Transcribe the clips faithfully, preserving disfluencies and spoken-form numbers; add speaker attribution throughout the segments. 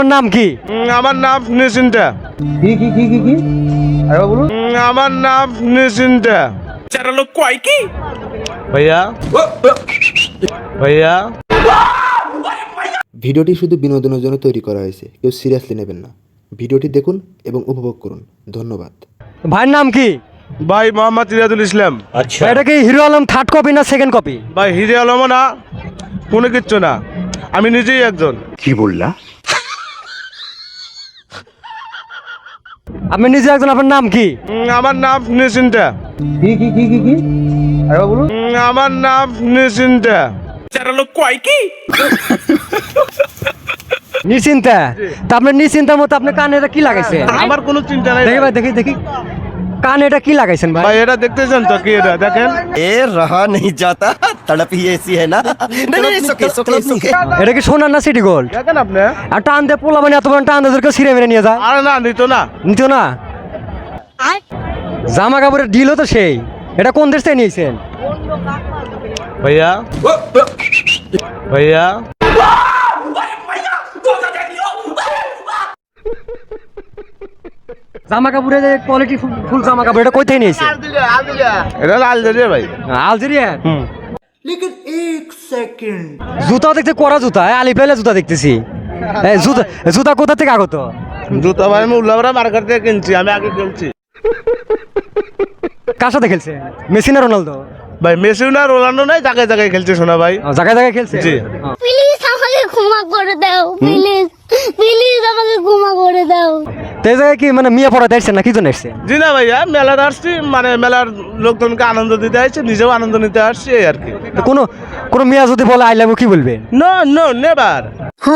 Speaker 1: আপনার নাম কি?
Speaker 2: আমার নাম নিশ্চিন্তা।
Speaker 3: কি কি কি কি কি আরে বলুন।
Speaker 2: আমার নাম নিশ্চিন্তা।
Speaker 4: চারা লোক কয় কি
Speaker 2: ভাইয়া ভাইয়া
Speaker 5: ভিডিওটি শুধু বিনোদনের জন্য তৈরি করা হয়েছে, কেউ সিরিয়াসলি নেবেন না। ভিডিওটি দেখুন এবং উপভোগ করুন। ধন্যবাদ।
Speaker 1: ভাইয়ের নাম কি?
Speaker 2: ভাই মোহাম্মদ ইরাদুল ইসলাম।
Speaker 1: ভাই, এটা কি হিরো আলম থার্ড কপি না সেকেন্ড কপি?
Speaker 2: ভাই হিরে আলম না, কোনো কিচ্ছু না, আমি নিজেই একজন।
Speaker 1: আপনি নিজে একজন, আপনার নাম কি?
Speaker 2: উম, আমার নাম নিশ্চিন্তা।
Speaker 3: কি কি কি কি কি আরে বলুন।
Speaker 2: উম, আমার নাম নিশ্চিন্তা।
Speaker 4: চারা লোক কয় কি
Speaker 1: নিশ্চিন্তা? তা আপনার নিশ্চিন্তার মতো আপনার কানে এটা কি লাগাইছেন?
Speaker 2: আমার কোনো চিন্তা নাই
Speaker 1: দেখি ভাই, দেখি দেখি কানে এটা কি লাগাইছেন ভাই?
Speaker 2: ভাই। এটা দেখতেছেন তো কি, এটা দেখেন।
Speaker 6: ए रहा नहीं जाता तड़प ही ऐसी है ना नहीं नहीं सुखे सुखे सुखे
Speaker 1: এটা কি সোনার না সিটি গোল্ড?
Speaker 2: দেখেন আপনি।
Speaker 1: আর টান দিয়ে পোলা মানে এত বড় টান দিয়ে কেউ ছিঁড়ে মেরে নিয়ে যায়?
Speaker 2: আরে না, নিত না।
Speaker 1: নিত না? জামা কাপড়ের ডিলও তো সেই। এটা কোন দেশ থেকে নিয়েছেন
Speaker 2: ভাইয়া ভাইয়া
Speaker 1: জামা কাপড়ের যে কোয়ালিটি ফুল জামা কাপড়, এটা কই থেকে নিয়েছেন?
Speaker 2: এটা লাল দিয়ে ভাই।
Speaker 1: আলজেরিয়া।
Speaker 2: হুম।
Speaker 1: জুতা দেখতে করা জুতা, আলি পেলে জুতা দেখতেছি। এই জুতা জুতা কোথা থেকে আগত?
Speaker 2: জুতা ভাই আমি উল্লাপাড়া মার্কেট থেকে কিনছি, আমি আগে কিনছি।
Speaker 1: কার সাথে খেলছে? মেসি না রোনালদো?
Speaker 2: ভাই মেসি না রোনাল্ডো নাই, জায়গায় জায়গায় খেলছে শোনা ভাই।
Speaker 1: ও, জায়গায় জায়গায় খেলছে।
Speaker 2: জি।
Speaker 1: ও।
Speaker 7: প্লিজ আমাকে ক্ষমা করে দাও, প্লিজ প্লিজ আমাকে ক্ষমা করে দাও।
Speaker 1: তো এই জায়গায় কি মানে মিয়া পড়াতে আসছেন না কি জন্য আসছেন?
Speaker 2: জি না ভাইয়া, মেলার আসছি, মানে মেলার লোকজনকে আনন্দ দিতে আসছে, নিজেও আনন্দ নিতে আসছি, এই আর কি।
Speaker 1: তো কোনো কোনো মিয়া যদি বলে আই লাভ ইউ কি বলবেন?
Speaker 2: No no never.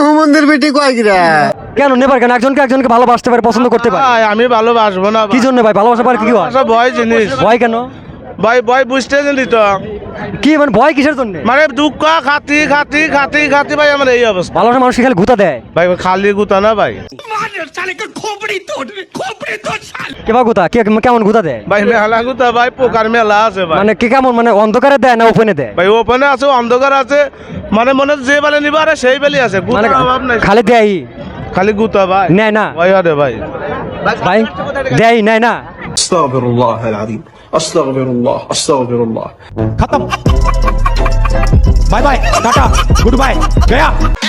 Speaker 1: কেন নেবার? কেন একজনকে একজনকে ভালোবাসতে পারে, পছন্দ করতে পারে?
Speaker 2: ভাই আমি ভালোবাসবো না
Speaker 1: কি জন্য ভাই? ভালোবাসা পারে কি হয়?
Speaker 2: ভালোবাসা ভয় জিনিস।
Speaker 1: ভয় কেন?
Speaker 2: ভাই ভয় বুঝতে জানি তো,
Speaker 1: কি মানে ভয় কিসের জন্য?
Speaker 2: মানে দুঃখ খাতি খাতি খাতি খাতি ভাই আমার এই অবস্থা।
Speaker 1: ভালোবাসা মানুষ খালি গুতা দেয়।
Speaker 2: ভাই খালি গুতা না ভাই।
Speaker 1: কে বা গুতা? কে কেমন গুতা দেয়?
Speaker 2: ভাই মেলা গুতা ভাই, পোকার মেলা আছে ভাই।
Speaker 1: মানে কে কেমন, মানে অন্ধকারে দেয় না ওপেনে দেয়?
Speaker 2: ভাই ওপেনে আছে, অন্ধকার আছে, মানে মনে হচ্ছে যে বেলে নিবা আরে সেই বেলি আছে,
Speaker 1: মানে
Speaker 2: গুতার অভাব নাই।
Speaker 1: খালি দেয়
Speaker 2: খালি গুতা ভাই,
Speaker 1: নেয় না?
Speaker 2: ভাই আরে ভাই
Speaker 1: ভাই দেয় নেয় না?
Speaker 8: استغفر الله العظيم استغفر الله استغفر الله
Speaker 4: खत्म bye bye tata goodbye गया